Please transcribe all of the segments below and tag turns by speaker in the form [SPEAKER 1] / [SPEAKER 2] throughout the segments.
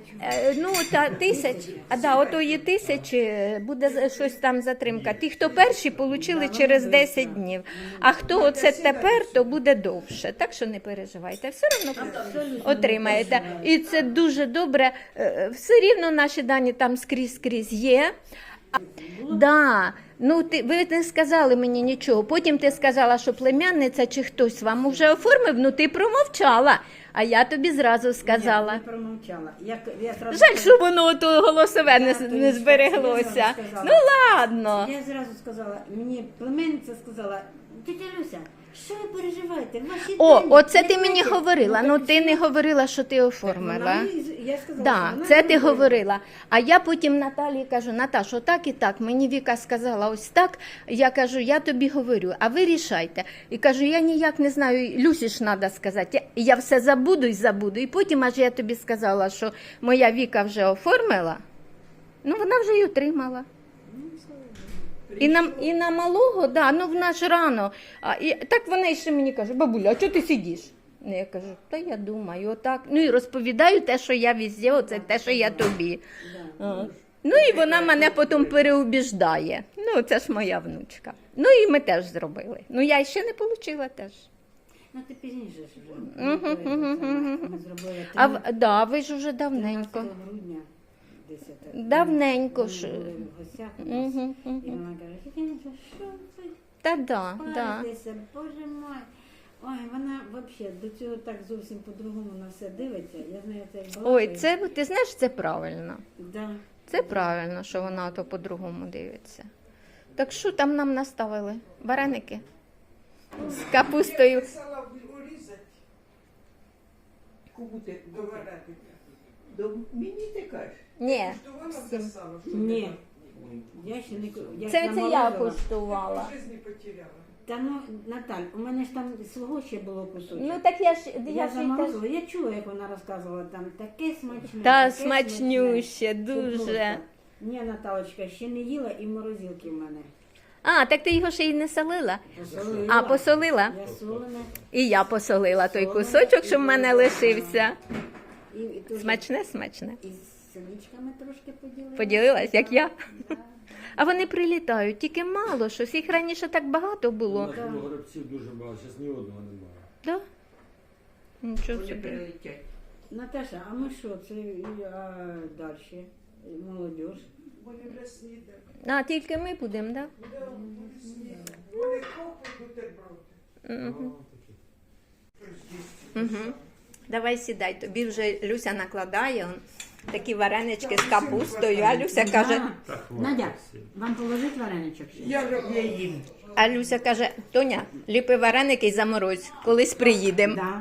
[SPEAKER 1] Ну, та отої 1000 буде щось там затримка. Ті, хто перші, отримали через 10 днів. А хто оце тепер, то буде довше. Так що не переживайте, все одно отримаєте. І це дуже добре. Все рівно наші дані там скрізь є. Да. Ну, ви не сказали мені нічого. Потім ти сказала, що племянниця чи хтось вам вже оформив, ну ти промовчала. А я тобі зразу сказала.
[SPEAKER 2] Ні, не промовчала. Я зразу
[SPEAKER 1] Жаль, що воно то голосове не збереглося.
[SPEAKER 2] Я зразу сказала.
[SPEAKER 1] Ну ладно.
[SPEAKER 2] Я зразу сказала, мені племенниця сказала, тетя Люся, що ви переживаєте? Ваші дані
[SPEAKER 1] Оце
[SPEAKER 2] не
[SPEAKER 1] ти мені
[SPEAKER 2] бачать».
[SPEAKER 1] говорила. Ну
[SPEAKER 2] так
[SPEAKER 1] ти
[SPEAKER 2] що?
[SPEAKER 1] не говорила, що ти оформила.
[SPEAKER 2] Я сказала,
[SPEAKER 1] Да,
[SPEAKER 2] що вона
[SPEAKER 1] це
[SPEAKER 2] не
[SPEAKER 1] ти говорила. А я потім Наталії кажу, Наташ, отак і так. Мені Віка сказала ось так. Я кажу, я тобі говорю, а ви рішайте. І кажу, я ніяк не знаю, Люсі ж треба сказати. Я все забуду і забуду. І потім аж я тобі сказала, що моя Віка вже оформила. Ну, вона вже й отримала. І на малого, да, ну в нас рано. Так вона ще мені каже, бабуля, а чого ти сидиш? Ну, я кажу, та я думаю, отак. Ну і розповідаю те, що я везде, оце те, що я тобі. Ну і вона мене потім переубіждає. Ну, це ж моя внучка. Ну і ми теж зробили. Ну я ще не отримала теж.
[SPEAKER 2] Ну ти пізніше ж вже. Ми зробили
[SPEAKER 1] Да, ви ж вже давненько.
[SPEAKER 2] 13 грудня 10.
[SPEAKER 1] Давненько
[SPEAKER 2] Ми
[SPEAKER 1] ж.
[SPEAKER 2] були в гостях у нас. І вона каже, тетя Люся, що це?
[SPEAKER 1] Та да.
[SPEAKER 2] Паритеся, боже мой. Ой, вона взагалі до цього так зовсім по-другому на все дивиться. Я знаю, це як
[SPEAKER 1] Ой,
[SPEAKER 2] балакає.
[SPEAKER 1] це, ти знаєш, це правильно.
[SPEAKER 2] Да.
[SPEAKER 1] Це правильно, що вона то по-другому дивиться. Так що там нам наставили? Вареники? З капустою.
[SPEAKER 3] Сала урізати.
[SPEAKER 4] Кому ти
[SPEAKER 3] Доварити.
[SPEAKER 4] Мені ти кажеш?
[SPEAKER 1] Ні.
[SPEAKER 3] Куштувала це сало? що
[SPEAKER 2] Ні.
[SPEAKER 3] ти
[SPEAKER 2] Я ще не я
[SPEAKER 1] Це я
[SPEAKER 2] наморозила.
[SPEAKER 1] куштувала.
[SPEAKER 3] в житті потеряла.
[SPEAKER 2] Та ну, Наталь, у мене ж там свого ще було кусочок.
[SPEAKER 1] Ну так я ж
[SPEAKER 2] я
[SPEAKER 1] ж і теж.
[SPEAKER 2] заморозила, я чула, як вона розказувала там, таке смачне.
[SPEAKER 1] Та
[SPEAKER 2] таке
[SPEAKER 1] смачнюще,
[SPEAKER 2] Це
[SPEAKER 1] дуже.
[SPEAKER 2] просто. Ні, Наталочка, ще не їла і морозилки в мене.
[SPEAKER 1] А, так ти його ще й не солила?
[SPEAKER 2] Посолила.
[SPEAKER 1] А, посолила?
[SPEAKER 2] Я солене.
[SPEAKER 1] І я посолила той кусочок, що в мене лишився.
[SPEAKER 2] І тут
[SPEAKER 1] Смачне, смачне.
[SPEAKER 2] із синичками трошки поділилася.
[SPEAKER 1] Поділилась, як я. А вони прилітають, тільки мало щось. Їх раніше так багато
[SPEAKER 5] У
[SPEAKER 1] було.
[SPEAKER 5] нас було горобців дуже багато, зараз ні одного немає.
[SPEAKER 1] Да? Нічого
[SPEAKER 4] Вони
[SPEAKER 1] собі.
[SPEAKER 4] прилетять.
[SPEAKER 2] Наташа, а ми що, це далі? Молодіж.
[SPEAKER 3] Вони вже снідали.
[SPEAKER 1] А, тільки ми будемо, так?
[SPEAKER 3] Вони снідали. Вони копи бутерброди.
[SPEAKER 1] Угу. Давай сідай, тобі вже Люся накладає такі варенички з капустою, а Люся каже,
[SPEAKER 2] Надя, вам положить вареничок?
[SPEAKER 4] Я їм.
[SPEAKER 1] а Люся каже, Тоня, ліпи вареники і заморозь, колись приїдемо.
[SPEAKER 2] Да.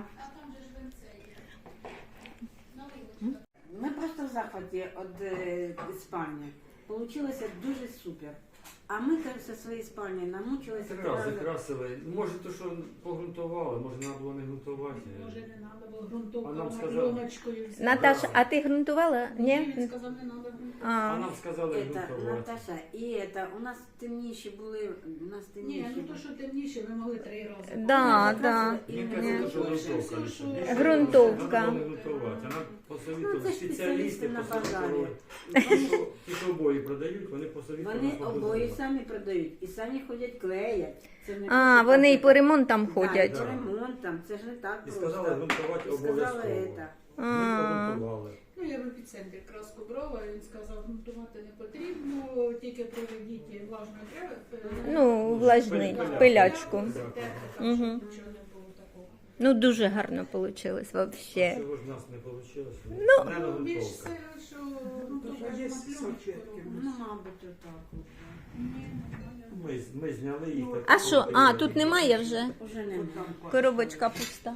[SPEAKER 2] Ми просто в захваті від спальні. Получилося дуже супер. А ми зі своєї спальні намучилися.
[SPEAKER 5] Закрасили. Може, то, що погрунтували, може, треба було не грунтувати.
[SPEAKER 6] Може, не треба було
[SPEAKER 5] А
[SPEAKER 6] ґрунтовку
[SPEAKER 5] нам
[SPEAKER 6] на
[SPEAKER 5] сказали.
[SPEAKER 6] пленочкою взяти.
[SPEAKER 1] Наташа, а ти ґрунтувала? Ні?
[SPEAKER 6] Він сказав, не треба ґрунтовку.
[SPEAKER 5] А
[SPEAKER 1] А,
[SPEAKER 5] нам сказали
[SPEAKER 2] Это,
[SPEAKER 5] грунтувати.
[SPEAKER 2] Наташа, і это, у нас темніші були, у нас темніші
[SPEAKER 6] Ні, ну
[SPEAKER 2] були.
[SPEAKER 6] то, що темніше, ви могли 3 рази.
[SPEAKER 1] да, да.
[SPEAKER 5] Він
[SPEAKER 2] Ні.
[SPEAKER 5] казав, що грунтовка. лише.
[SPEAKER 1] Грунтовка.
[SPEAKER 5] Треба було не грунтувати. Вона
[SPEAKER 2] Ну,
[SPEAKER 5] посовітувала,
[SPEAKER 2] це ж
[SPEAKER 5] спеціалісти
[SPEAKER 2] спеціалісти на
[SPEAKER 5] посовітували.
[SPEAKER 2] базарі.
[SPEAKER 5] Ті, що обої продають, вони посовітували.
[SPEAKER 2] Вони
[SPEAKER 5] на
[SPEAKER 2] обої
[SPEAKER 5] базарі.
[SPEAKER 2] самі продають і самі ходять клеять. Це не
[SPEAKER 1] А,
[SPEAKER 2] просто
[SPEAKER 1] вони
[SPEAKER 2] так,
[SPEAKER 1] і по ремонтам
[SPEAKER 2] Да,
[SPEAKER 1] ходять.
[SPEAKER 2] і по ремонтам, це ж не так
[SPEAKER 5] І
[SPEAKER 2] просто.
[SPEAKER 5] сказали грунтувати
[SPEAKER 2] І сказали
[SPEAKER 5] обов'язково.
[SPEAKER 2] это.
[SPEAKER 5] Ми погрунтували.
[SPEAKER 6] Ну, я в епіцентрі краску брала, він сказав, ґрунтувати не потрібно, тільки проведіть влажну
[SPEAKER 1] Ну, влажний, пилячку.
[SPEAKER 6] Нічого не було такого.
[SPEAKER 1] Ну, дуже гарно вийшло, взагалі.
[SPEAKER 5] Цього ж в нас не вийшло.
[SPEAKER 1] Ну,
[SPEAKER 5] Не
[SPEAKER 6] Ну, більш
[SPEAKER 5] грунтовка.
[SPEAKER 6] все, що ґрунтовка
[SPEAKER 3] Є
[SPEAKER 6] ж на пленочку
[SPEAKER 3] салфетки.
[SPEAKER 6] робиться.
[SPEAKER 2] Ну, мабуть, отак. от.
[SPEAKER 5] Ми зняли їх. так
[SPEAKER 1] А що? А, тут немає вже?
[SPEAKER 2] Уже немає.
[SPEAKER 1] Коробочка пуста.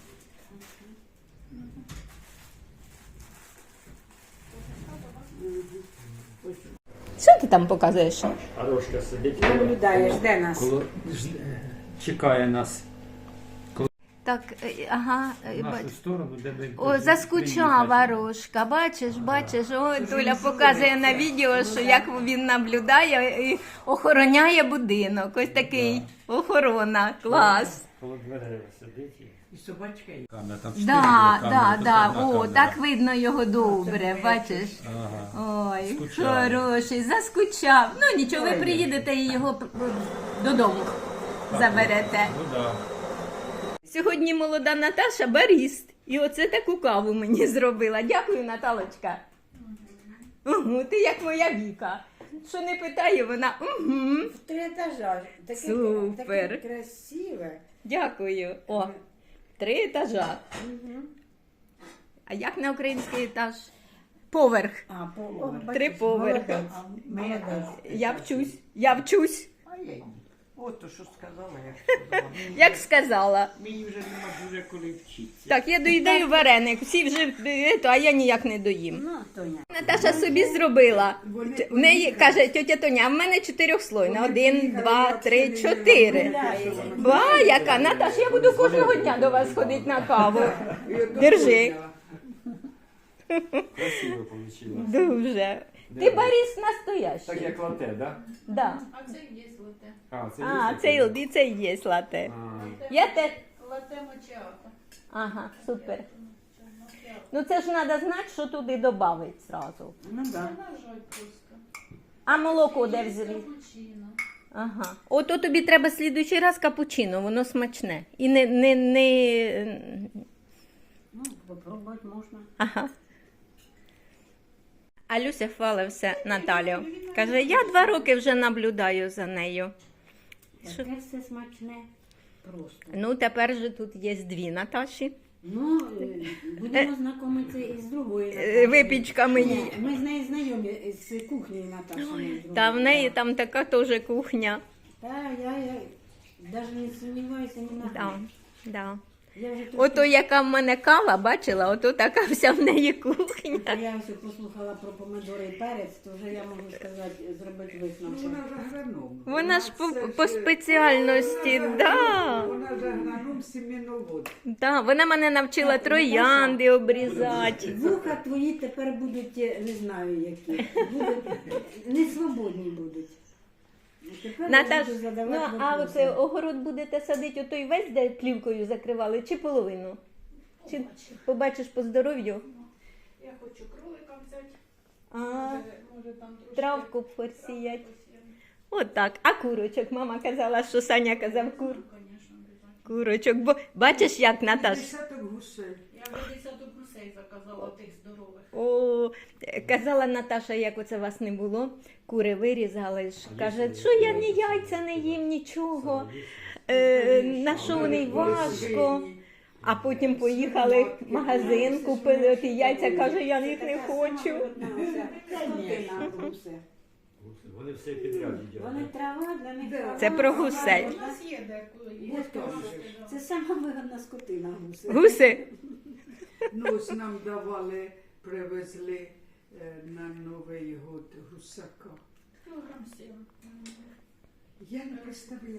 [SPEAKER 1] Що ти там показуєш?
[SPEAKER 5] Арошка сидить.
[SPEAKER 2] Наблюдаєш, де нас?
[SPEAKER 5] Чекає нас
[SPEAKER 1] Так, ага,
[SPEAKER 5] в нашу сторону, де ми...
[SPEAKER 1] О, заскучав Варошка, бачиш, о, Толя показує на відео, що як він наблюдає і охороняє будинок. Ось такий охорона, клас.
[SPEAKER 5] Коло дверей сидить.
[SPEAKER 4] І собачка є.
[SPEAKER 7] Камера, там
[SPEAKER 1] О, так видно його добре, бачиш?
[SPEAKER 7] Ага.
[SPEAKER 1] Ой,
[SPEAKER 7] Скучаю.
[SPEAKER 1] хороший, заскучав. Ну нічого, ви приїдете і його додому заберете.
[SPEAKER 7] Ну да.
[SPEAKER 1] Сьогодні молода Наташа баріст. І оце таку каву мені зробила. Дякую, Наталочка. Угу, ти як моя Віка. Що не питає, вона угу.
[SPEAKER 2] В 3 етажа. Таке,
[SPEAKER 1] Супер.
[SPEAKER 2] таке красиве.
[SPEAKER 1] Дякую. О, 3 етажа. А як на український етаж? Поверх.
[SPEAKER 2] А, по
[SPEAKER 1] 3 поверхи.
[SPEAKER 2] Молодець.
[SPEAKER 1] Я вчусь.
[SPEAKER 4] А я ні. От то, що сказала, я сказала.
[SPEAKER 1] Як сказала.
[SPEAKER 4] Мені вже нема дуже коли вчитися.
[SPEAKER 1] Так, я доїдаю вареник, всі вже, а я ніяк не доїм.
[SPEAKER 2] Ну, Тоня.
[SPEAKER 1] Наташа собі зробила. В неї каже тьотя Тоня, а в мене 4-слойна. 1, 2, 3, 4. Ба, яка? Наташ, я буду кожного дня до вас ходити на каву. Держи.
[SPEAKER 5] Красиво вийшло.
[SPEAKER 1] Дуже. Ти баріст настоящий.
[SPEAKER 5] Так як лате, да?
[SPEAKER 1] Да.
[SPEAKER 6] А це є лате.
[SPEAKER 5] А, це
[SPEAKER 1] А, це і є лате.
[SPEAKER 5] А,
[SPEAKER 1] Я те...
[SPEAKER 6] Лате мочеата.
[SPEAKER 1] Ага, супер. Ну це ж треба знати, що туди додати зразу.
[SPEAKER 2] Ну, да.
[SPEAKER 6] Нажать просто.
[SPEAKER 1] А молоко де взяли?
[SPEAKER 6] Капучино.
[SPEAKER 1] Ага. Ото тобі треба слідуючий раз капучино, воно смачне. І не...
[SPEAKER 2] Ну, попробувати можна.
[SPEAKER 1] Ага. А Люся хвалився Наталю. Каже, я 2 роки вже наблюдаю за нею.
[SPEAKER 2] Таке все смачне. Просто.
[SPEAKER 1] Ну, тепер же тут є 2 Наташі.
[SPEAKER 2] Ну, будемо знайомитися із другою
[SPEAKER 1] Е,
[SPEAKER 2] Наташею.
[SPEAKER 1] випічками її.
[SPEAKER 2] Ні, ми з нею знайомі з кухнею Наташею.
[SPEAKER 1] Та в неї там така теж кухня.
[SPEAKER 2] Так, я навіть не сумніваюся ні на
[SPEAKER 1] Да,
[SPEAKER 2] хвилину.
[SPEAKER 1] да.
[SPEAKER 2] Я вже
[SPEAKER 1] Ото яка в мене кава, бачила, ото така вся в неї кухня.
[SPEAKER 2] Я все послухала про помидори і перець, то вже я можу сказати, зробити висновок.
[SPEAKER 3] Вона ж агроном.
[SPEAKER 1] Вона ж
[SPEAKER 3] це
[SPEAKER 1] по спеціальності, да.
[SPEAKER 3] Вона ж агроном семеновод.
[SPEAKER 1] Да, вона мене навчила троянди обрізати.
[SPEAKER 2] Вуха твої тепер будуть, не знаю які, будуть, не свободні будуть. Тепер я
[SPEAKER 1] Наташ,
[SPEAKER 2] буду задавати
[SPEAKER 1] ну а
[SPEAKER 2] вопроси.
[SPEAKER 1] оце огород будете садити отой весь, де плівкою закривали, чи половину? Чи побачиш по здоров'ю?
[SPEAKER 6] Я хочу кролика взяти.
[SPEAKER 1] А,
[SPEAKER 6] Може там трошки.
[SPEAKER 1] травку посіять. От так. А курочок? Мама казала, що Саня казав
[SPEAKER 6] Звісно, обов'язково.
[SPEAKER 1] курочок. Бо бачиш, як Наташ?
[SPEAKER 3] Десяток гусей.
[SPEAKER 6] Я вже 10 гусей заказала тих здорових.
[SPEAKER 1] О, казала Наташа, як оце вас не було, кури вирізали ж. Каже, що я ні яйця не їм, нічого. На що вони важко. А потім поїхали в магазин, купили ті яйця, каже, я їх не хочу.
[SPEAKER 2] Скотина, гуси.
[SPEAKER 5] Вони все підряд їдять.
[SPEAKER 2] Вони трава для них. трава.
[SPEAKER 1] Це про гусей.
[SPEAKER 6] У нас є деколи. Є
[SPEAKER 2] От теж. Це сама вигодна скотина гуси.
[SPEAKER 1] Гуси?
[SPEAKER 3] Ну, ось нам давали, привезли на Новий год гусака.
[SPEAKER 6] Кілограм 7.
[SPEAKER 3] Я не представляю.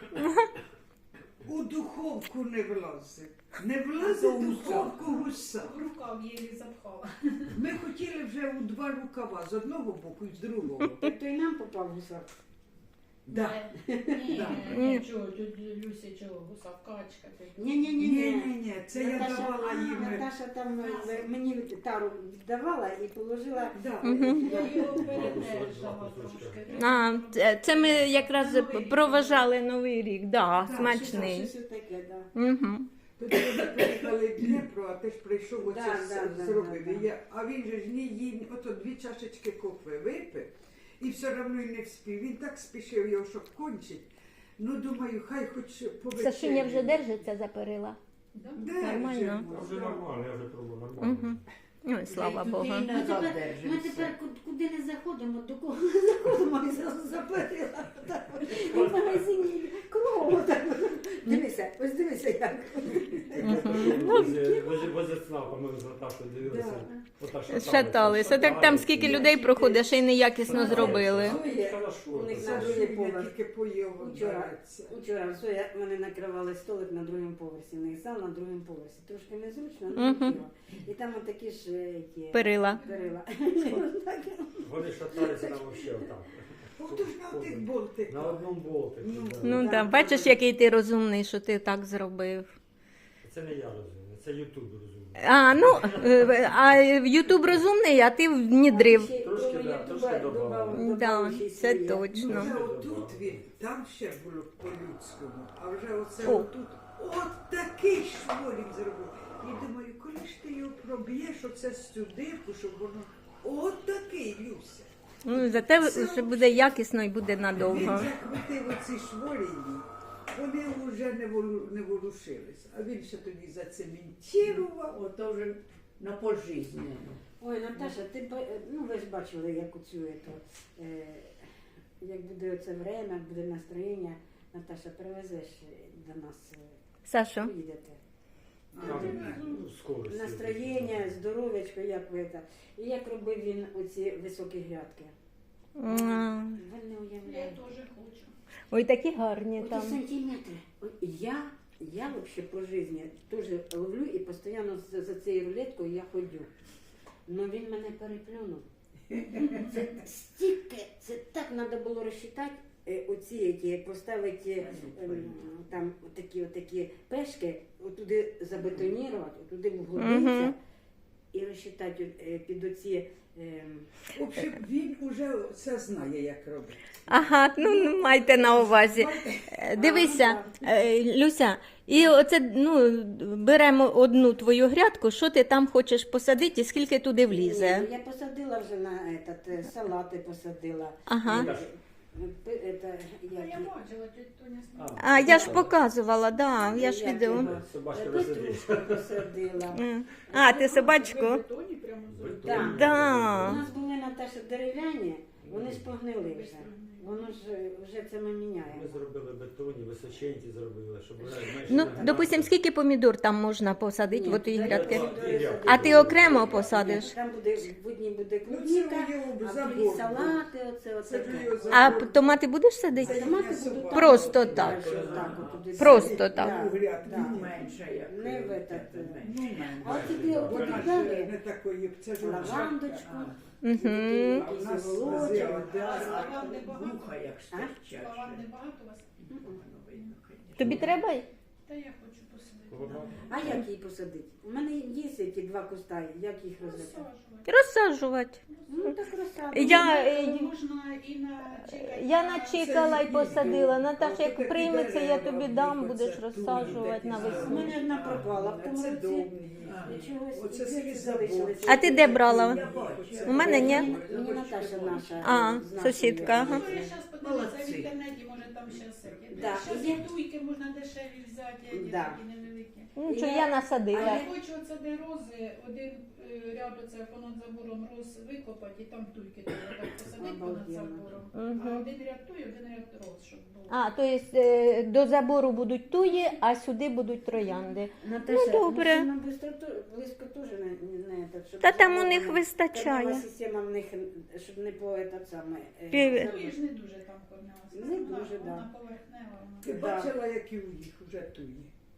[SPEAKER 3] У духовку не влазить. Не влазить у духовку гуса.
[SPEAKER 6] В рукав її запхала.
[SPEAKER 3] Ми хотіли вже у 2 рукава, з одного боку і з другого.
[SPEAKER 2] То й нам попав гусак.
[SPEAKER 3] Да.
[SPEAKER 6] Ні, чого, тут Люся чого, гусавкачка.
[SPEAKER 3] Ні, це я давала їм.
[SPEAKER 2] Наташа там мені тару віддавала і положила.
[SPEAKER 3] Да.
[SPEAKER 6] Я його передержала трошки.
[SPEAKER 1] А, це ми якраз проважали Новий рік, да, смачний.
[SPEAKER 2] Щось таке, да.
[SPEAKER 1] Угу.
[SPEAKER 3] Тоді вони приїхали в Дніпро, а ти ж прийшов оце
[SPEAKER 2] Да,
[SPEAKER 3] зробив.
[SPEAKER 2] да.
[SPEAKER 3] І а він же ж не їв, ото 2 чашечки кофе випив, і все одно й не вспів. Він так спішив його, щоб кончить. Ну, думаю, хай хоч повечеряє.
[SPEAKER 1] Сашуня вже держиться за перила. Нормально.
[SPEAKER 5] Вже нормально, я вже пробував нормально.
[SPEAKER 1] Угу. Ой, слава Богу.
[SPEAKER 2] Ми тепер куди не заходимо, до кого не заходимо, і зразу заперила. І в магазині кругом. Дивися, ось дивися як.
[SPEAKER 5] Возле ЦНАПа ми з Наташою дивилися. Отак
[SPEAKER 1] Шаталися. Так там скільки людей проходить, ще й неякісно зробили.
[SPEAKER 2] У них на другий
[SPEAKER 3] Сашуня
[SPEAKER 2] поверх.
[SPEAKER 3] тільки поїв обирається.
[SPEAKER 2] Вчора все, мене накривали столик на другому поверсі, не зал на другому поверсі. Трошки незручно,
[SPEAKER 1] Мгм.
[SPEAKER 2] але хотіла. І там отакі ж ті
[SPEAKER 1] Перила.
[SPEAKER 2] перила.
[SPEAKER 5] Вони шаталися там взагалі отак.
[SPEAKER 3] Ото ж на тих болтиках.
[SPEAKER 5] На одному болтику. да.
[SPEAKER 1] Ну так, бачиш, який ти розумний, що ти так зробив.
[SPEAKER 5] Це не я розумію, це Ютуб розуміє.
[SPEAKER 1] А, ну, а Ютуб розумний, а ти внідрив.
[SPEAKER 5] Трошки, да, трошки добавили.
[SPEAKER 1] Да, це точно.
[SPEAKER 3] Вже отут він, там ще було по-людському, а вже оце
[SPEAKER 1] О.
[SPEAKER 3] отут, от такий шволь він зробив. І думаю, коли ж ти його проб'єш, оце сюди, щоб воно, от такий, Люся.
[SPEAKER 1] Ну, зате вже буде якісно і буде
[SPEAKER 3] Він
[SPEAKER 1] надовго.
[SPEAKER 3] закрутив оці шворі, вони вже не ворушились, а він ще тоді зацементував.
[SPEAKER 4] Ото вже на пожизненно.
[SPEAKER 2] Ой, Наташа, ну ви ж бачили, як оцю, як буде оце время, буде настроєння. Наташа, привезеш до нас,
[SPEAKER 1] Сашо,
[SPEAKER 2] поїдете.
[SPEAKER 5] Ну, скоро.
[SPEAKER 2] Настроєння, здоров'ячко, як ви це. І як робив він оці високі грядки.
[SPEAKER 1] м,
[SPEAKER 2] Ви не
[SPEAKER 6] Я
[SPEAKER 2] уявляєте.
[SPEAKER 6] теж хочу.
[SPEAKER 1] ой, такі гарні
[SPEAKER 2] Оті
[SPEAKER 1] там.
[SPEAKER 2] сантиметри. От я вообще по житті теж ловлю і постійно за цією рулеткою я ходю. Но він мене переплюнув. Це стільки, це так треба було розчитати, оці, які поставити там отакі пешки, отуди забетонувати, отуди вглубитися і розчитати під оці.
[SPEAKER 3] В общем, він уже це знає, як робити.
[SPEAKER 1] Ага, ну майте на увазі. Дивися, Люся, і оце ну, беремо одну твою грядку, що ти там хочеш посадити і скільки туди влізе.
[SPEAKER 2] Ні, я посадила вже на салати посадила.
[SPEAKER 1] Ага.
[SPEAKER 6] А я бачила, тетя Тоня знімала.
[SPEAKER 1] А я ж показувала, да, я ж відео.
[SPEAKER 5] Собачка
[SPEAKER 2] Петрушку посадила.
[SPEAKER 1] А, ти собачку?
[SPEAKER 6] В бетоні прямо зробила.
[SPEAKER 2] Да. У
[SPEAKER 1] Да.
[SPEAKER 2] нас були, Наташа, дерев'яні, вони ж погнили вже. Воно ж вже це ми
[SPEAKER 5] Ми
[SPEAKER 2] міняємо.
[SPEAKER 5] зробили бетонні, височенькі зробили, щоб вже менше.
[SPEAKER 1] Ну,
[SPEAKER 5] не-
[SPEAKER 1] допустим, скільки помідор там можна посадити в отій грядки?
[SPEAKER 2] помідори
[SPEAKER 1] А ти окремо посадиш?
[SPEAKER 2] Там буде, в одній буде
[SPEAKER 3] Ну,
[SPEAKER 2] клубніка,
[SPEAKER 3] це його
[SPEAKER 2] а в
[SPEAKER 3] забор
[SPEAKER 2] другій
[SPEAKER 3] був.
[SPEAKER 2] салати, оце.
[SPEAKER 3] Це ж його
[SPEAKER 1] А
[SPEAKER 3] забор.
[SPEAKER 1] томати будеш садити?
[SPEAKER 2] Томати будуть
[SPEAKER 1] Просто
[SPEAKER 2] так.
[SPEAKER 1] так.
[SPEAKER 2] Так, отуди
[SPEAKER 1] Просто
[SPEAKER 2] садити.
[SPEAKER 1] так.
[SPEAKER 2] Да,
[SPEAKER 3] У грядки
[SPEAKER 2] да.
[SPEAKER 4] Менше як.
[SPEAKER 2] Не в этот,
[SPEAKER 3] Ну, менше.
[SPEAKER 2] А от тобі
[SPEAKER 3] Вона ж
[SPEAKER 2] подібрали
[SPEAKER 3] не такої, це ж
[SPEAKER 2] лавандочку,
[SPEAKER 1] Угу.
[SPEAKER 3] А в нас
[SPEAKER 2] якийсь голочок.
[SPEAKER 3] зелень.
[SPEAKER 6] Лаванди багато?
[SPEAKER 4] Вуха як стирчать.
[SPEAKER 6] Лаванди багато у вас?
[SPEAKER 1] Тобі треба?
[SPEAKER 6] Та я хочу посадити.
[SPEAKER 2] А як її посадити? У мене є ці два куста, як їх розвити?
[SPEAKER 6] Розсаджувати.
[SPEAKER 1] Розсаджувати.
[SPEAKER 2] Ну так розсадимо.
[SPEAKER 6] Можна і на чекати.
[SPEAKER 1] Я начекала і посадила. Наташа, як прийметься, я тобі дам, будеш розсаджувати
[SPEAKER 2] У
[SPEAKER 1] навесну.
[SPEAKER 2] мене одна пропала в тому
[SPEAKER 3] Це
[SPEAKER 2] році.
[SPEAKER 3] довгий.
[SPEAKER 2] Нічого
[SPEAKER 3] Оце
[SPEAKER 2] собі
[SPEAKER 3] скрізь
[SPEAKER 2] залишилося.
[SPEAKER 1] А ти де брала?
[SPEAKER 3] Я бачу.
[SPEAKER 1] У мене ні.
[SPEAKER 2] Мені Наташа наша.
[SPEAKER 1] А,
[SPEAKER 2] з нашої
[SPEAKER 1] сусідка, ага.
[SPEAKER 6] Ну, я зараз подивилася в
[SPEAKER 4] Молодці.
[SPEAKER 6] інтернеті, може там зараз.
[SPEAKER 2] Да,
[SPEAKER 6] Зараз
[SPEAKER 2] і є-
[SPEAKER 6] і туйки можна дешеві взяти, а
[SPEAKER 2] Да.
[SPEAKER 6] такі невеликі.
[SPEAKER 1] Ну, що я
[SPEAKER 2] А
[SPEAKER 1] насадила.
[SPEAKER 6] Я хочу оце де рози, один ряд оце понад забором роз викопати, і там туйки треба посадити понад
[SPEAKER 2] Обалденно.
[SPEAKER 6] забором. А
[SPEAKER 1] Мгм.
[SPEAKER 6] один ряд туй, один ряд роз, щоб було.
[SPEAKER 1] А, то є до забору будуть туї, а сюди будуть троянди.
[SPEAKER 2] Наташа,
[SPEAKER 1] Ну, добре.
[SPEAKER 2] Нам близько теж не так, щоб
[SPEAKER 1] Та там у
[SPEAKER 2] заборона-
[SPEAKER 1] них вистачає.
[SPEAKER 2] Корнева система в них, щоб не по этот саме.
[SPEAKER 1] Пів-
[SPEAKER 6] Туї ж не дуже там корнялася.
[SPEAKER 2] Не дуже, да.
[SPEAKER 6] Вона поверхнева.
[SPEAKER 3] Ти
[SPEAKER 2] Да.
[SPEAKER 3] бачила, які у них вже туї.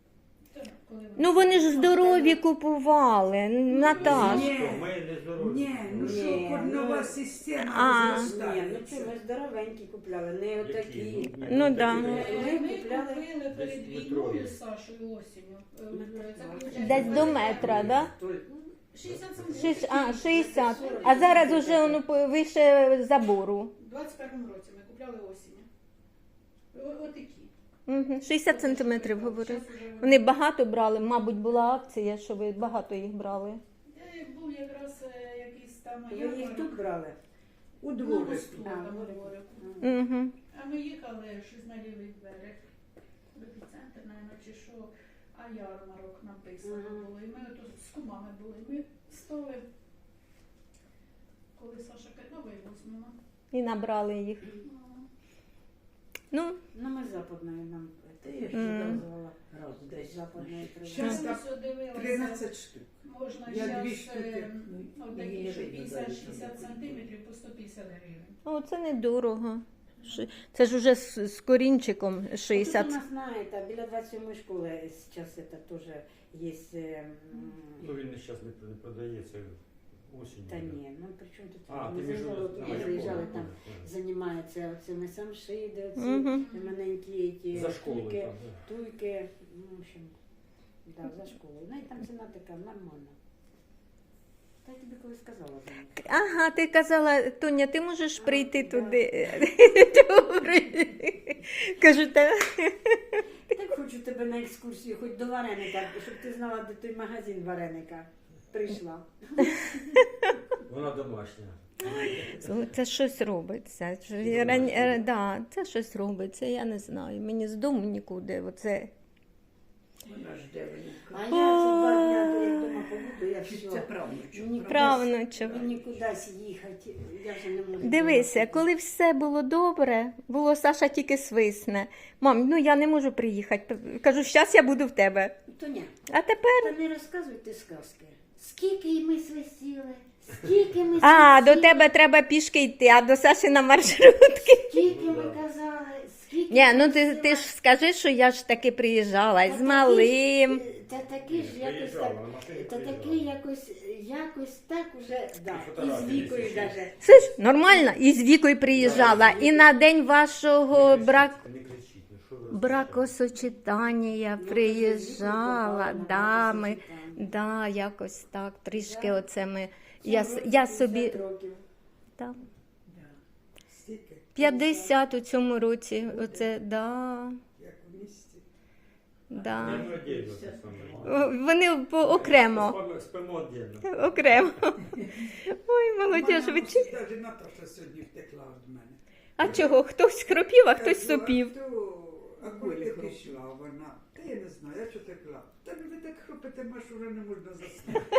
[SPEAKER 1] Ну вони ж здорові купували, Наташ.
[SPEAKER 3] Ні.
[SPEAKER 5] Ми не здорові.
[SPEAKER 3] Ні, ну що,
[SPEAKER 2] Ні,
[SPEAKER 3] корнова
[SPEAKER 2] ну,
[SPEAKER 3] система
[SPEAKER 1] А.
[SPEAKER 2] Ні, ну
[SPEAKER 3] розростається.
[SPEAKER 2] що, ми здоровенькі купляли, не отакі.
[SPEAKER 1] Ну, да.
[SPEAKER 6] Ми
[SPEAKER 2] Ми
[SPEAKER 6] купили
[SPEAKER 2] купляли
[SPEAKER 6] перед
[SPEAKER 5] десь
[SPEAKER 6] війною
[SPEAKER 5] метрові.
[SPEAKER 6] з Сашою осінню. Це, виходить,
[SPEAKER 1] Десь до метра, да?
[SPEAKER 6] 60 сантиметрів.
[SPEAKER 1] 60. А зараз уже воно вище забору.
[SPEAKER 6] У 21-му році ми купляли осінню. Отакі.
[SPEAKER 1] Угу. 60 сантиметрів, говорю.
[SPEAKER 6] Щас уже
[SPEAKER 1] Вони багато брали, мабуть, була акція, що ви багато їх брали.
[SPEAKER 6] Був якраз якийсь там
[SPEAKER 2] Ви їх тут брали?
[SPEAKER 3] У
[SPEAKER 6] на
[SPEAKER 3] дворику.
[SPEAKER 6] мосту,
[SPEAKER 2] А,
[SPEAKER 6] на
[SPEAKER 2] на
[SPEAKER 6] дворику.
[SPEAKER 1] Угу.
[SPEAKER 6] А ми їхали щось на лівий берег. В епіцентр, мабуть, чи що. А ярмарок написано
[SPEAKER 2] Ага.
[SPEAKER 6] було. І ми тут з кумами були. Ми стали, коли Саша Катнова і візьмемо.
[SPEAKER 1] І набрали їх. Ну,
[SPEAKER 2] Ну, ми западною нам
[SPEAKER 4] Та я ж
[SPEAKER 1] Мгм.
[SPEAKER 2] показувала.
[SPEAKER 4] раз десь.
[SPEAKER 2] Западної
[SPEAKER 3] Щас
[SPEAKER 6] Ми
[SPEAKER 3] так
[SPEAKER 6] все дивилися.
[SPEAKER 3] 13 штук.
[SPEAKER 6] Можна
[SPEAKER 3] Я
[SPEAKER 6] зараз
[SPEAKER 3] 2 штуки.
[SPEAKER 6] отакі, що 50-60 сантиметрів по 150 гривень.
[SPEAKER 1] о, це недорого. Це ж уже з корінчиком
[SPEAKER 2] Тут у
[SPEAKER 1] 60.
[SPEAKER 2] нас, знаєте, біля 27-ї школи зараз це теж є.
[SPEAKER 5] Ну він зараз не продається осінь.
[SPEAKER 2] Та ні, ну при чому тут?
[SPEAKER 5] А,
[SPEAKER 2] Ми
[SPEAKER 5] ти між
[SPEAKER 2] заїжджали, ми заїжджали там, займаються оцими самшиди, оці
[SPEAKER 1] Угу.
[SPEAKER 2] маленькі ті
[SPEAKER 5] За школою
[SPEAKER 2] туйки,
[SPEAKER 5] там. Да.
[SPEAKER 2] туйки, ну, в общем. Да, за школою. Ну і там ціна така нормальна. Та я тобі колись сказала за них.
[SPEAKER 1] Ага, ти казала, Тоня, ти можеш прийти
[SPEAKER 2] да.
[SPEAKER 1] туди. Добре. Кажу, та
[SPEAKER 2] Так хочу тебе на екскурсію, хоч до вареника, щоб ти знала, де той магазин вареника. Прийшла.
[SPEAKER 5] Вона домашня.
[SPEAKER 1] це щось робиться. Да, це щось робиться, я не знаю. Мені з дому нікуди. Оце.
[SPEAKER 4] Вона жде
[SPEAKER 2] А
[SPEAKER 4] внука.
[SPEAKER 2] я ці 2 дні, як вдома побуду, я
[SPEAKER 4] Чи
[SPEAKER 2] все.
[SPEAKER 4] це правнучок?
[SPEAKER 2] Мені
[SPEAKER 1] Правнучок.
[SPEAKER 2] Мені кудись їхати, я вже не можу.
[SPEAKER 1] Дивися,
[SPEAKER 2] вдома
[SPEAKER 1] коли все було добре, було Саша тільки свисне. Мам, ну я не можу приїхати. Кажу, щас я буду в тебе.
[SPEAKER 2] сидіти. Тоня,
[SPEAKER 1] А тепер.
[SPEAKER 2] та не розказуйте сказки. Скільки ми свисіли, скільки ми
[SPEAKER 1] А,
[SPEAKER 2] свисіли,
[SPEAKER 1] до тебе треба пішки йти, а до Саші на маршрутки.
[SPEAKER 2] скільки ми казали, скільки
[SPEAKER 1] Ні, ну
[SPEAKER 2] ми
[SPEAKER 1] ти
[SPEAKER 2] просила.
[SPEAKER 1] ж скажи, що я ж таки приїжджала
[SPEAKER 2] Та
[SPEAKER 1] з малим.
[SPEAKER 2] Та таки ж якось так,
[SPEAKER 5] на машині
[SPEAKER 2] та
[SPEAKER 5] приїжджала.
[SPEAKER 2] таки якось так уже, да, і з
[SPEAKER 5] Фотографії
[SPEAKER 2] вікою
[SPEAKER 5] висять.
[SPEAKER 2] даже.
[SPEAKER 1] Слиш, нормально, і з Вікою приїжджала. І на день вашого
[SPEAKER 5] Не кричіть, ну що ви
[SPEAKER 1] бракосочетання я
[SPEAKER 2] Ну,
[SPEAKER 1] приїжджала.
[SPEAKER 2] ну,
[SPEAKER 1] Да,
[SPEAKER 2] ну,
[SPEAKER 1] ми,
[SPEAKER 2] ну,
[SPEAKER 1] да, якось так, трішки
[SPEAKER 2] Да.
[SPEAKER 1] оце ми.
[SPEAKER 2] Цим
[SPEAKER 1] Я
[SPEAKER 2] році
[SPEAKER 1] собі
[SPEAKER 2] 50 років.
[SPEAKER 1] там,
[SPEAKER 3] Стільки,
[SPEAKER 1] 50 у цьому році. Оце, да,
[SPEAKER 3] як у місті.
[SPEAKER 1] да.
[SPEAKER 5] Не отдельно це саме.
[SPEAKER 1] Вони окремо.
[SPEAKER 5] Спимо отдельно.
[SPEAKER 1] Окремо. Ой, молодіж, ви чи...
[SPEAKER 3] Навіть Наташа сьогодні втекла від мене.
[SPEAKER 1] А чого? Хтось хропів, а хтось сопів.
[SPEAKER 3] А коли ти пішла вона? Та я не знаю, я що текла. Та ви так хропите, маш уже не можна заснути.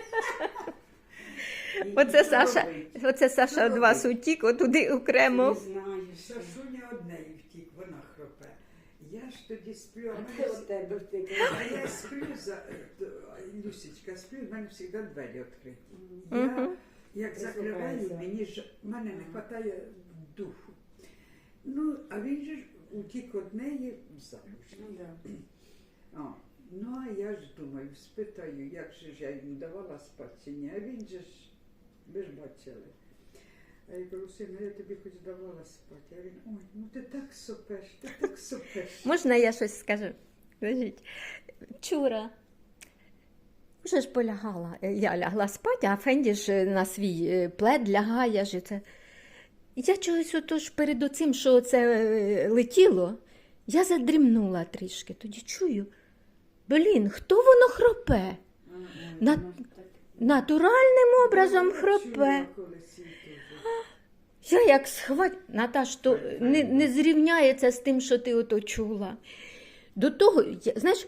[SPEAKER 1] Оце Саша від вас утік, отуди окремо.
[SPEAKER 2] Не знаю, що.
[SPEAKER 3] Сашуня однеї втік, вона хропе. Я ж тоді сплю,
[SPEAKER 2] А
[SPEAKER 3] а
[SPEAKER 2] ти
[SPEAKER 3] мене
[SPEAKER 2] от тебе втекла.
[SPEAKER 3] а я сплю Люсічка, сплю, в мене завжди двері відкриті.
[SPEAKER 1] Мгм.
[SPEAKER 3] Я як закриваю, мене не вистачає духу. Ну, а він же ж утік од неї замуж.
[SPEAKER 2] Ну, да.
[SPEAKER 3] А, ну, а я ж думаю, спитаю, як же ж я йому давала спати чи ні, а він же ж, ви ж бачили. А я кажу, сину, я тобі хоч давала спати. А він, ой, ну ти так сопеш, ти так сопеш.
[SPEAKER 1] Можна я щось скажу? Скажіть. Вчора вже ж полягала. Я лягла спати, а Фенді ж на свій плед лягає. Ж це. Я чогось отож перед оцим, що це летіло, я задрімнула трішки. Тоді чую, блін, хто воно хропе? На- Натуральним образом хропе.
[SPEAKER 3] Чула колись і теж.
[SPEAKER 1] Я як схвать, Наташ, то не зрівняється з тим, що ти ото чула. До того, знаєш,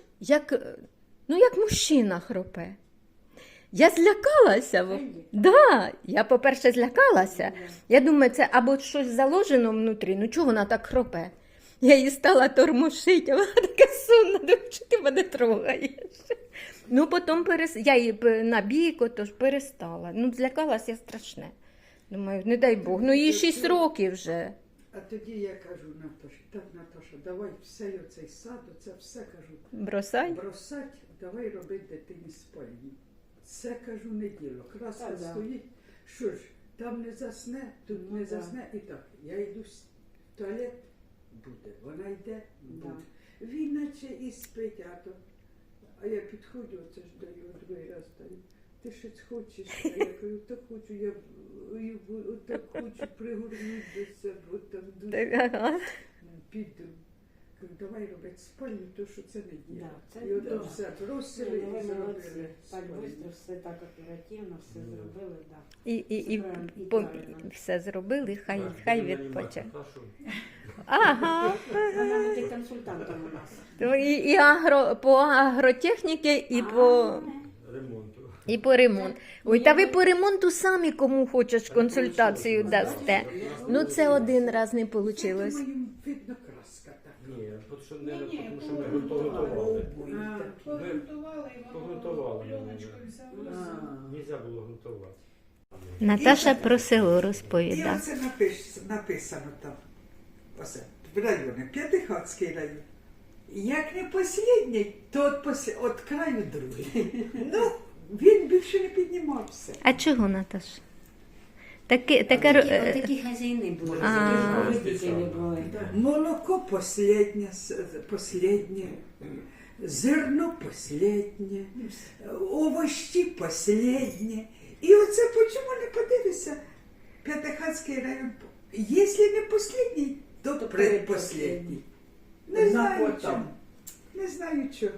[SPEAKER 1] як мужчина хропе. Я злякалася. Да, я, по-перше, злякалася. Я думаю, це або щось заложено внутрі, ну чого вона так хропе? Я її стала тормошити, а вона така сумна, думаю, що ти мене трогаєш. Ну, потім я її на бік, отож перестала. Ну, злякалася я страшне. Думаю, не дай Бог, ну їй 6 років вже.
[SPEAKER 3] А тоді я кажу Наташі, так, Наташа, давай все оцей сад, оце все кажу.
[SPEAKER 1] Бросай.
[SPEAKER 3] Бросать, давай робити дитині спальню. Це, кажу, не діло. Краска
[SPEAKER 2] Та да.
[SPEAKER 3] стоїть, що ж, там не засне, тут
[SPEAKER 2] Ну
[SPEAKER 3] не
[SPEAKER 2] да.
[SPEAKER 3] засне. І так, я йду в туалет, буде, вона йде,
[SPEAKER 2] Да.
[SPEAKER 3] буде. Він наче і спить, а я підходжу, оце ж даю, другий раз даю. Ти щось хочеш? А я кажу, так хочу, я так хочу пригорнути до себе, от там дуже
[SPEAKER 1] Ага.
[SPEAKER 3] піду. Кажу, давай робити спальню, то що це не діло.
[SPEAKER 2] Да, це
[SPEAKER 3] І ото
[SPEAKER 2] да.
[SPEAKER 3] все бросили
[SPEAKER 2] Ви
[SPEAKER 3] і
[SPEAKER 2] молодці.
[SPEAKER 3] зробили
[SPEAKER 2] Так
[SPEAKER 3] спальню.
[SPEAKER 2] швидко, все так оперативно, все зробили, так.
[SPEAKER 1] І
[SPEAKER 2] Правильно, і
[SPEAKER 1] по-
[SPEAKER 2] правильно.
[SPEAKER 1] все зробили, хай
[SPEAKER 5] Так,
[SPEAKER 1] відпоче.
[SPEAKER 5] Та що?
[SPEAKER 1] Ага.
[SPEAKER 2] Вона буде консультантом у нас.
[SPEAKER 1] І по агротехніці,
[SPEAKER 5] Ремонту.
[SPEAKER 1] і по ремонту. Ой, та ви по ремонту самі кому хочеш консультацію дасте. Ну це один раз не вийшло.
[SPEAKER 3] Це, думаю, видно, краска така.
[SPEAKER 5] Ні, тому що не
[SPEAKER 6] Ні,
[SPEAKER 5] тому що ми
[SPEAKER 6] погрунтували.
[SPEAKER 5] готували.
[SPEAKER 3] А,
[SPEAKER 6] Погрунтували, і воно
[SPEAKER 5] Погрунтували.
[SPEAKER 6] пленочкою взялося.
[SPEAKER 5] Нельзя було готувати.
[SPEAKER 1] Наташа про село
[SPEAKER 3] І
[SPEAKER 1] розповідає.
[SPEAKER 3] оце написано там, оце, в районі, П'ятихатський район. Як не послідній, то от краю другий. Ну, він більше не піднімався.
[SPEAKER 1] А чого, Наташа? Таке,
[SPEAKER 2] Такі хазяїни були,
[SPEAKER 1] А.
[SPEAKER 2] такі поведителі були.
[SPEAKER 3] Молоко последнє, зерно последнє, овощі последнє. І оце почому не подивишся? П'ятихатський район. Якщо не последній, то предпоследній. Не знаю чого. Не знаю чого.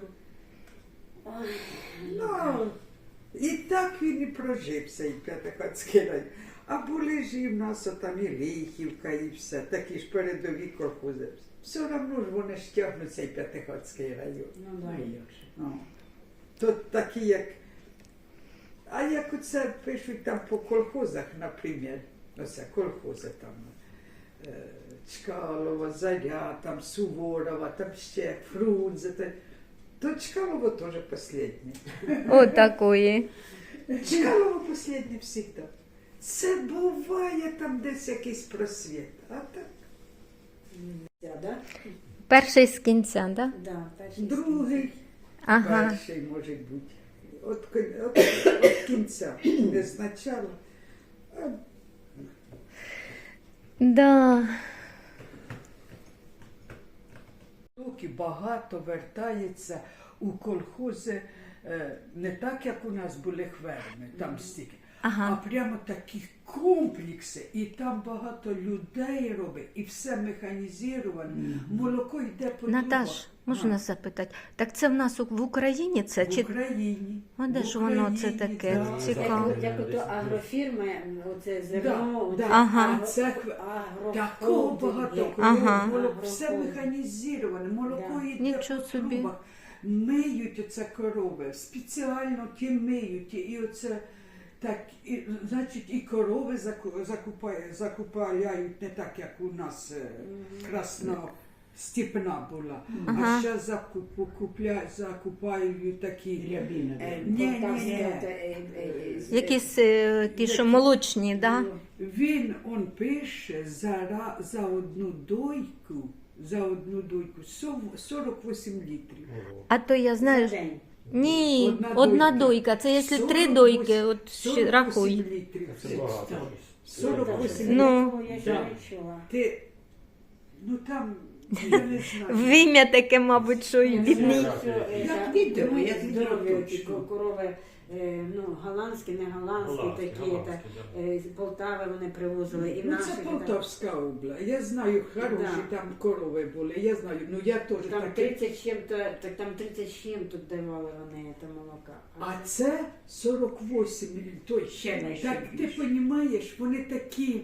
[SPEAKER 3] Ну, і так він і прожився, і П'ятихатський район. А були ж і в нас там і Лихівка, і все, такі ж передові колхози. Все одно ж вони ж тягнуть цей П'ятихатський район.
[SPEAKER 2] Ну, да.
[SPEAKER 3] О. Тут такі, як. А як оце пишуть там по колхозах, наприклад, оце колхози там, Чкалова, Заря, там Суворова, там ще Фрунзе, то Чкалово теж останнє.
[SPEAKER 1] О, такої.
[SPEAKER 3] Чкалово останнє завжди. Це буває там десь якийсь просвіт, а так.
[SPEAKER 2] Да?
[SPEAKER 1] Перший з кінця, да?
[SPEAKER 2] Да, перший
[SPEAKER 3] Другий,
[SPEAKER 1] Ага.
[SPEAKER 3] перший може бути. От кінця, не спочатку.
[SPEAKER 1] Да.
[SPEAKER 3] Доки багато вертається у колхози, не так, як у нас були хверми, там стільки,
[SPEAKER 1] Ага.
[SPEAKER 3] а прямо такі комплекси, і там багато людей робить, і все механізоване, молоко йде по
[SPEAKER 1] Наташ,
[SPEAKER 3] трубах.
[SPEAKER 1] можна запитати? Так це в нас в Україні це?
[SPEAKER 3] В
[SPEAKER 1] Чи...
[SPEAKER 3] Україні.
[SPEAKER 1] А де
[SPEAKER 3] В
[SPEAKER 1] ж воно це
[SPEAKER 3] Україні,
[SPEAKER 1] таке?
[SPEAKER 3] да.
[SPEAKER 1] Цікаво.
[SPEAKER 2] Як ото агрофірми, оце зерно,
[SPEAKER 3] Да,
[SPEAKER 2] оце
[SPEAKER 1] Ага.
[SPEAKER 2] агро-
[SPEAKER 3] Це такого
[SPEAKER 2] агрохолдинг,
[SPEAKER 3] багато
[SPEAKER 2] як-
[SPEAKER 3] коров,
[SPEAKER 1] Ага.
[SPEAKER 3] все
[SPEAKER 2] Агрохолдинг.
[SPEAKER 3] механізоване, молоко
[SPEAKER 2] Да.
[SPEAKER 3] йде
[SPEAKER 1] Нічого
[SPEAKER 3] по
[SPEAKER 1] собі.
[SPEAKER 3] трубах. Миють оце корови, спеціально ті миють, і оце так, і, значить, і корови закупають не так, як у нас красностепна була,
[SPEAKER 1] Ага.
[SPEAKER 3] а ще закупають такі.
[SPEAKER 4] Рябіна.
[SPEAKER 1] Якісь ті, що молочні, да?
[SPEAKER 3] Він пише за одну дойку 48 літрів.
[SPEAKER 1] А то я знаю.
[SPEAKER 2] За день.
[SPEAKER 1] Ні,
[SPEAKER 3] Одна
[SPEAKER 1] одна
[SPEAKER 3] дойка.
[SPEAKER 1] дойка. Це якщо 3
[SPEAKER 3] 48
[SPEAKER 1] дойки, от ще
[SPEAKER 3] 48
[SPEAKER 1] рахуй.
[SPEAKER 3] літрів.
[SPEAKER 5] Це багато.
[SPEAKER 3] 48
[SPEAKER 1] Ну.
[SPEAKER 2] Такого я ще
[SPEAKER 3] Да.
[SPEAKER 2] не чула.
[SPEAKER 3] Ти, ну там, я не знаю.
[SPEAKER 1] Вим'я таке, мабуть, що і бідний.
[SPEAKER 4] Як відео, як
[SPEAKER 2] здорові
[SPEAKER 4] відео
[SPEAKER 2] ті
[SPEAKER 4] точно.
[SPEAKER 2] корови, ну, голландські, не голландські, такі, з Полтави вони привозили, і
[SPEAKER 3] Ну
[SPEAKER 2] наші.
[SPEAKER 3] це
[SPEAKER 2] так.
[SPEAKER 3] Полтавська область. Я знаю, хороші
[SPEAKER 2] Да.
[SPEAKER 3] там корови були. Я знаю, ну я теж
[SPEAKER 2] Там
[SPEAKER 3] таке.
[SPEAKER 2] 30 з чим-то, так там 30 з чим-то давали вони це молока.
[SPEAKER 3] А це 48. Той,
[SPEAKER 4] Ще найше
[SPEAKER 3] так ти
[SPEAKER 4] більше.
[SPEAKER 3] розумієш, вони такі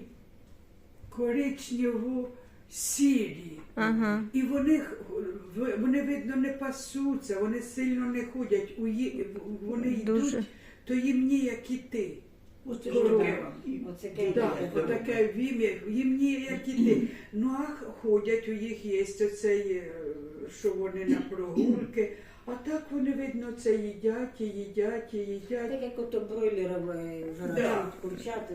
[SPEAKER 3] коричнево-сірі.
[SPEAKER 1] Ага.
[SPEAKER 3] І вони, видно, не пасуться, вони сильно не ходять. Вони
[SPEAKER 1] Дуже.
[SPEAKER 3] йдуть, то їм ніяк іти.
[SPEAKER 4] Оце
[SPEAKER 3] Корова.
[SPEAKER 4] ж таке вам.
[SPEAKER 2] Оце
[SPEAKER 3] Так,
[SPEAKER 2] таке.
[SPEAKER 3] отаке вім'я, їм ніяк іти. Ну а ходять, у їх є оцей, що вони на прогулки. А так вони, видно, це їдять, і їдять, і їдять.
[SPEAKER 2] Так як ото бройлерові виробляють курчат.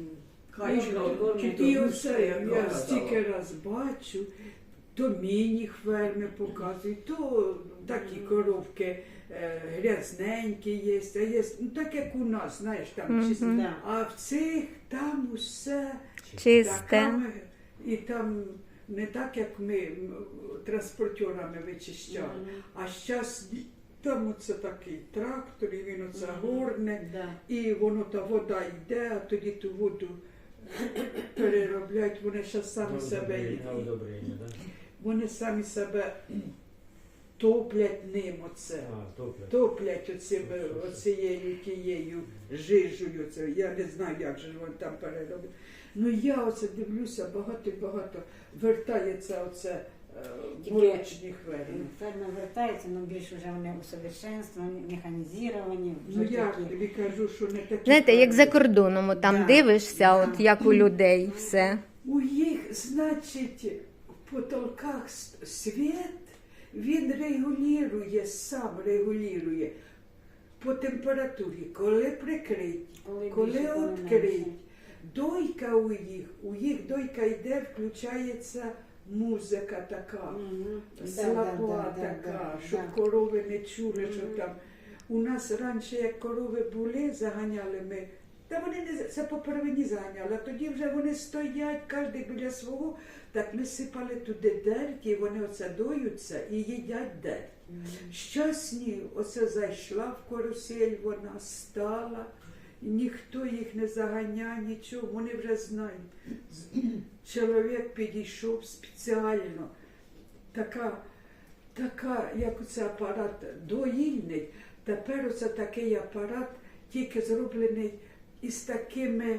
[SPEAKER 3] І оце я стільки раз бачу, то міні-ферми показують, то такі коровки грязненькі є, а є, ну так як у нас, знаєш, там чисто.
[SPEAKER 2] Да.
[SPEAKER 3] А в цих там усе
[SPEAKER 1] Чисте.
[SPEAKER 3] така, і там не так, як ми транспортерами вичищали, а зараз там оце такий трактор, і він оце горне,
[SPEAKER 2] Да.
[SPEAKER 3] і воно та вода йде, а тоді ту воду переробляють, вони ще самі себе
[SPEAKER 5] Одобрення, так?
[SPEAKER 3] вони самі себе топлять ним оце. Топлять оцією тією жижею. Це. Я не знаю, як же вони там перероблять. Ну я оце дивлюся, багато вертається оце
[SPEAKER 2] Тільки
[SPEAKER 3] молочні хвилини.
[SPEAKER 2] Ферми вертаються, але більш вже вони усовершенствовані, механізовані.
[SPEAKER 3] Ну
[SPEAKER 2] вже
[SPEAKER 3] я
[SPEAKER 2] такі.
[SPEAKER 3] тобі кажу, що не такі.
[SPEAKER 1] Знаєте, як за
[SPEAKER 3] ферми.
[SPEAKER 1] кордоном, от там
[SPEAKER 2] Да.
[SPEAKER 1] дивишся,
[SPEAKER 2] Да.
[SPEAKER 1] от як у людей все.
[SPEAKER 3] У їх, значить, в потолках світ, він регулює, сам регулює по температурі, коли прикриті, коли
[SPEAKER 2] більше, коли
[SPEAKER 3] відкриті.
[SPEAKER 2] менше.
[SPEAKER 3] Дойка у їх дойка йде, включається музика така,
[SPEAKER 2] Мгм.
[SPEAKER 3] слаба
[SPEAKER 2] Да,
[SPEAKER 3] така,
[SPEAKER 2] да,
[SPEAKER 3] щоб
[SPEAKER 2] да.
[SPEAKER 3] корови не чули, що там. У нас раніше, як корови були, заганяли ми. Та вони не це по первині заганяли, а тоді вже вони стоять, кожен біля свого, так ми сипали туди дерть, і вони оце доються і їдять дерть. Щасні, оце зайшла в карусель, вона стала, ніхто їх не заганяє, нічого, вони вже знають. Чоловік підійшов спеціально, така, як оце апарат доїльний, тепер оце такий апарат, тільки зроблений із такими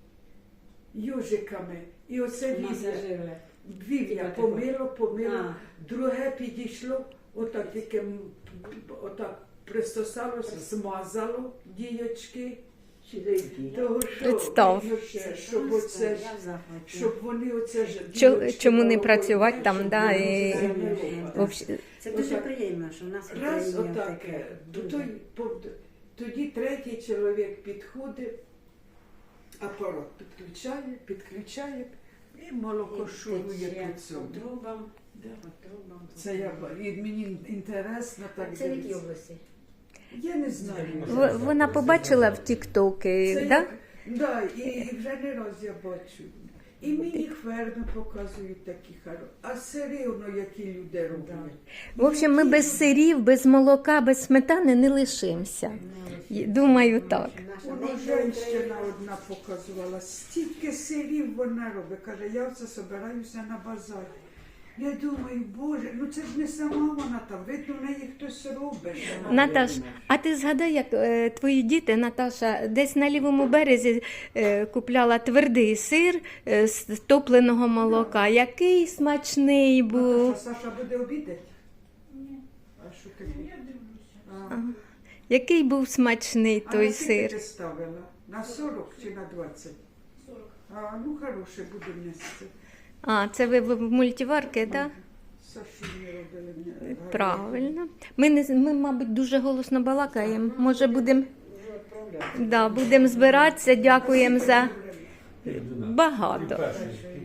[SPEAKER 3] южиками. І оце
[SPEAKER 2] Масажирує.
[SPEAKER 3] вів'я
[SPEAKER 2] Типа
[SPEAKER 3] помило,
[SPEAKER 2] А.
[SPEAKER 3] друге підійшло, отак тільки отак пристосалося, змазало діячки. Того, що,
[SPEAKER 1] Представ.
[SPEAKER 3] видно ще, щоб оце ж,
[SPEAKER 2] Я в захваті.
[SPEAKER 3] щоб вони оце ж
[SPEAKER 1] Чому не
[SPEAKER 3] діячки
[SPEAKER 1] працювати
[SPEAKER 3] молоком,
[SPEAKER 1] там,
[SPEAKER 3] щоб
[SPEAKER 1] да,
[SPEAKER 3] вони
[SPEAKER 1] і
[SPEAKER 3] оце не
[SPEAKER 1] вообще-
[SPEAKER 2] Це дуже
[SPEAKER 3] Отак.
[SPEAKER 2] приємно, що в нас в
[SPEAKER 3] Раз
[SPEAKER 2] Україні
[SPEAKER 3] отак,
[SPEAKER 2] таке.
[SPEAKER 3] тоді третій чоловік підходить, апарат підключає і молоко шурує по цьому.
[SPEAKER 2] По трубам.
[SPEAKER 3] Да.
[SPEAKER 2] По трубам.
[SPEAKER 3] Це мені інтересно так
[SPEAKER 2] Це в якій
[SPEAKER 3] дивитися.
[SPEAKER 2] області?
[SPEAKER 3] Я не знаю.
[SPEAKER 1] Вона побачила в тіктоки,
[SPEAKER 3] Це
[SPEAKER 1] да?
[SPEAKER 3] як- да, і вже не раз я бачу. І мені ферми показують такі хороші. А все рівно, які люди роблять.
[SPEAKER 1] В общем, ми без сирів, без молока, без сметани не лишимося. Думаю, так.
[SPEAKER 3] Воно жінка одна показувала, стільки сирів вона робить. Каже, я все собираюся на базар. Я думаю, Боже, ну це ж не сама вона там, видно, в неї хтось робить.
[SPEAKER 1] Наташ, а ти згадай, як твої діти, Наташа, десь на лівому березі купляла твердий сир з топленого молока. Який смачний був.
[SPEAKER 3] Наташа, Саша буде обідати?
[SPEAKER 6] Ні,
[SPEAKER 3] А що ти?
[SPEAKER 6] я дивлюся.
[SPEAKER 1] Який був смачний
[SPEAKER 3] А
[SPEAKER 1] той
[SPEAKER 3] на скільки
[SPEAKER 1] сир.
[SPEAKER 3] ти ставила? На 40 чи на 20?
[SPEAKER 6] 40.
[SPEAKER 3] А, ну хороше буде нести.
[SPEAKER 1] А, це ви в мультиварки, так?
[SPEAKER 3] Сашу не робили мені.
[SPEAKER 1] Правильно. Ми, мабуть, дуже голосно балакаємо. Може, будемо будем збиратися. Дякуємо за багато.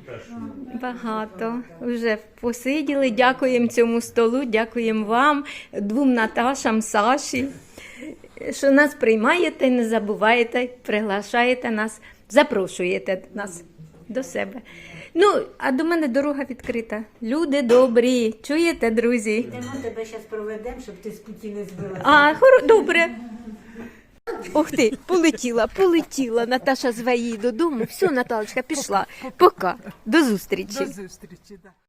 [SPEAKER 1] Багато. Вже посиділи. Дякуємо цьому столу, дякуємо вам, двом Наташам, Саші, що нас приймаєте, не забуваєте, приглашаєте нас, запрошуєте нас до себе. Ну, а до мене дорога відкрита. Люди добрі. Чуєте, друзі?
[SPEAKER 2] Йдемо тебе зараз проведемо, щоб ти з путі не збилася.
[SPEAKER 1] А, добре. Ох ти, полетіла. Наташа зве її додому. Все, Наталочка, пішла. Пока. До зустрічі.
[SPEAKER 3] До зустрічі, да.